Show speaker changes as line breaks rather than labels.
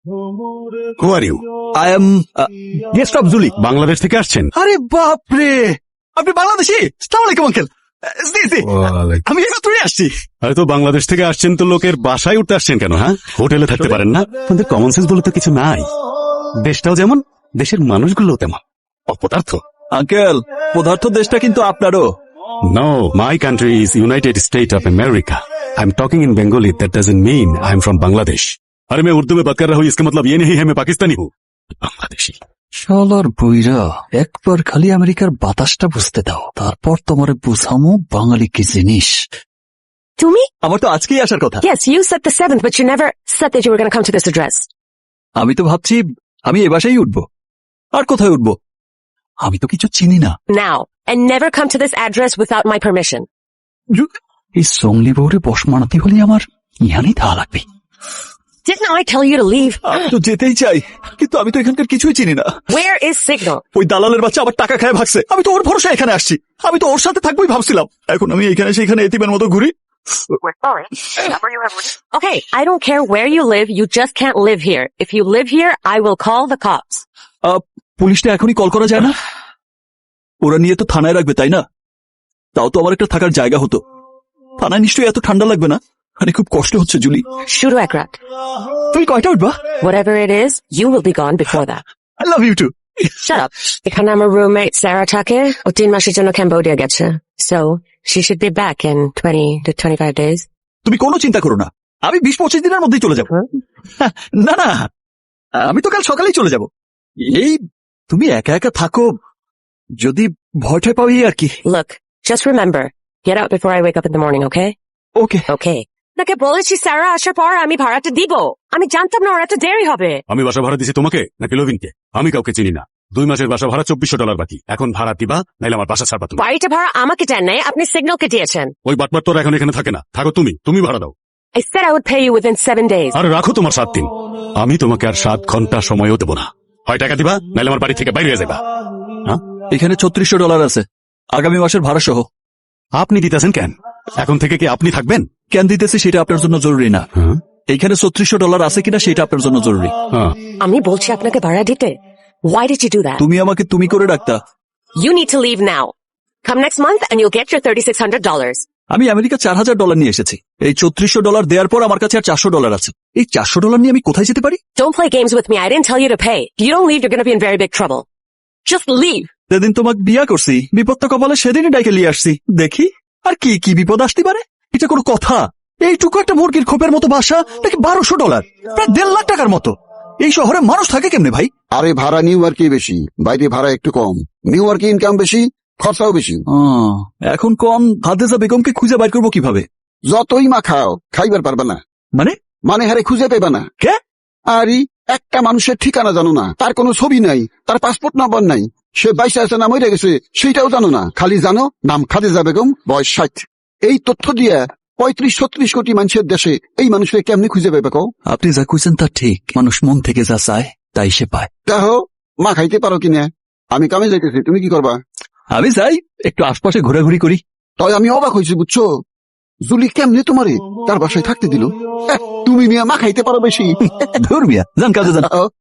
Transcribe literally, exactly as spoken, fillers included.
Who are you?
I am guest of Julie.
Bangladesh থেকে আসছেন?
আরে বাপরে, আপনি বাংলাদেশি? আসসালামু আলাইকুম আঙ্কেল। জি জি, আমি এইমাত্রই আসছি।
আরে তো বাংলাদেশ থেকে আসছেন তো লোকের বাসায় উঠতে আসছেন কেন? হ্যাঁ, হোটেলে থাকতে পারেন না? আপনাদের কমন সেন্স বলে তো কিছু নাই। দেশটাও যেমন, দেশের মানুষগুলো তেমন অপদার্থ।
আঙ্কেল, পদার্থ দেশটা কিন্তু আপনারও।
No, my country is United States of America. I'm talking in Bengali. That doesn't mean I'm from Bangladesh. अरे मैं उर्दू में बात कर रहा हूँ, इसका मतलब ये नहीं है मैं पाकिस्तानी हूँ, बांग्लादेशी।
শালার বইরা, একবার খালি আমেরিকার বাতাসটা বুঝতে দাও, তারপর তোমারে বুঝামো বাঙালি কি জিনিস।
তুমি?
আমার তো আজকেই আসার কথা।
Yes, you said the seventh, but you never said that you were going to come to this address.
আমি তো ভাবছি আমি এ বাসায় উঠবো। আর কোথায় উঠবো? আমি তো কিছু চিনি না।
Now, and never come to this address without my permission.
এই সঙ্গলি বউরে বস মানাতে হলে আমার ইহানি থাকা লাগবে।
Didn't I tell you to leave?
আমি তো যেতেই চাই, কিন্তু আমি তো এখানকার কিছুই চিনি না।
Where is Signal?
ওই দালালের বাচ্চা আবার টাকা খায় ভাগছে। আমি তো ওর ভরসা এখানে আসছি, আমি তো ওর সাথে থাকবোই ভাবছিলাম। এখন আমি এখানে সেখানে এতিমের মতো ঘুরি।
We're sorry. Okay, I don't care where you live, you just can't live here. If you live here, I will call the cops.
আহ, পুলিশটা এখনই কল করা যায় না? ওরা নিয়ে তো থানায় রাখবে, তাই না? তাও তো আমার একটা থাকার জায়গা হতো। থানায় নিশ্চয়ই এত ঠান্ডা লাগবে না। আরে খুব কষ্ট হচ্ছে জুলি।
Shuru Ekrat.
তুমি কয়টা উঠবা?
Whatever it is, you will be gone before that.
I love you too.
Shut up. এখানে আমার roommate Sarah থাকে, ও তিন মাসের জন্য ক্যাম্বোডিয়া গেছে। So, she should be back in twenty to twenty-five days.
তুমি কোনো চিন্তা করো না, আমি বিশ পঁচিশ দিনের মধ্যেই চলে যাব। না না, আমি তো কাল সকালেই চলে যাব। এই তুমি একা একা থাকো, যদি ভয়টা পাও এই আর কি।
Look, just remember, get out before I wake up in the morning, okay?
Okay
Okay. নাকি বলেছি সারা আসার পর আমি ভাড়াটা দিব। আমি জানতাম না ওর এত দেরি হবে।
আমি বাসা ভাড়া দিছি তোমাকে নাকি লভিনকে? আমি কাউকে চিনি না। দুই মাসের বাসা ভাড়া চব্বিশশো ডলার বাকি। এখন ভাড়া দিবা, নাইলে আমার বাসা ছাড়বা তুমি।
বাড়িটা ভাড়া আমাকে দেন নাই, আপনি সিগন্যালকে দিয়েছেন।
ওই বাটপার তোর এখন এখানে থাকে না, থাকো তুমি। তুমি ভাড়া দাও।
I said I would pay you within seven days.
আর রাখো তোমার সাত দিন। আমি তোমাকে আর সাত ঘন্টা সময়ও দেবো না। হয় টাকা দিবা, নাইলে আমার বাড়ি থেকে বাইরে হয়ে যাবা। হ্যাঁ,
এখানে ছত্রিশশো ডলার আছে আগামী মাসের ভাড়া সহ।
আপনি দিতেছেন কেন? এখন থেকে কি আপনি থাকবেন?
কেন দিতেছি সেটা আপনার জন্য জরুরি না।
হ্যাঁ,
এইখানে ছত্রিশশো ডলার আছে কিনা সেটা আপনার জন্য জরুরি।
হ্যাঁ।
আমি বলছি আপনাকে ভাড়া দিতে। Why did you do that?
তুমি আমাকে তুমি করে ডাকতা।
You need to leave now. Come next month and you'll get your thirty-six hundred dollars.
আমি আমেরিকা চার হাজার ডলার নিয়ে এসেছি। এই ছত্রিশশো ডলার দেওয়ার পর আমার কাছে আর চারশো ডলার আছে। এই চারশো ডলার নিয়ে আমি কোথায় যেতে পারি?
Don't play games with me. I didn't tell you to pay. If you don't leave, you're going to be in very big trouble. Just leave.
সেদিন তোমাকে বিয়া করছি, বিপদটা কপালে সেদিনই ডাইকে নিয়ে আসছি। দেখি আর কি কি বিপদ আসতে পারে। এটা কোনো কথা? এইটুকু একটা মুরগির খোপের মতো বাসা নাকি বারোশো ডলার, প্রায় দেড় লাখ টাকার মতো। এই শহরে মানুষ থাকে কেমনে ভাই?
আরে ভাড়া নিউ ইয়র্কে বেশি, বাইরে ভাড়া একটু কম। নিউ ইয়র্কে ইনকাম বেশি, খরচাও বেশি।
আহ, এখন কোন হাদেজা বেগমকে খুঁজে বাইর করবো কিভাবে?
যতই মা খাও, খাইবার পারবা না।
মানে
মানে হারে খুঁজে পেবা না।
কে?
আরে একটা মানুষের ঠিকানা জানো না, তার কোনো ছবি নাই, তার পাসপোর্ট নাম্বার নাই, সে বাইশে আছে না মরে গেছে সেইটাও জানো না। খালি জানো নাম খাদেজা বেগম, বয়স ষাট। এই তথ্য দিয়ে পঁয়ত্রিশ ছত্রিশ কোটি মানুষের দেশে এই মানুষকে কেমনি খুঁজে পাবে কও?
আপনি যা খুঁজছেন তা ঠিক, মানুষ মন থেকে যা চায় তাই সে পায়।
দেখো মা খাইতে পারো কিনা। আমি কামে যাইতেছি, তুমি কি করবা?
আমি যাই একটু আশপাশে ঘোরাঘুরি করি।
তাই আমি অবাক হয়েছি বুঝছো, জুলি কেমনে তোমারে তার বাসায় থাকতে দিল। তুমি মিয়া মা খাইতে পারো বেশি।
ধর্মিয়া যান কাজে যান।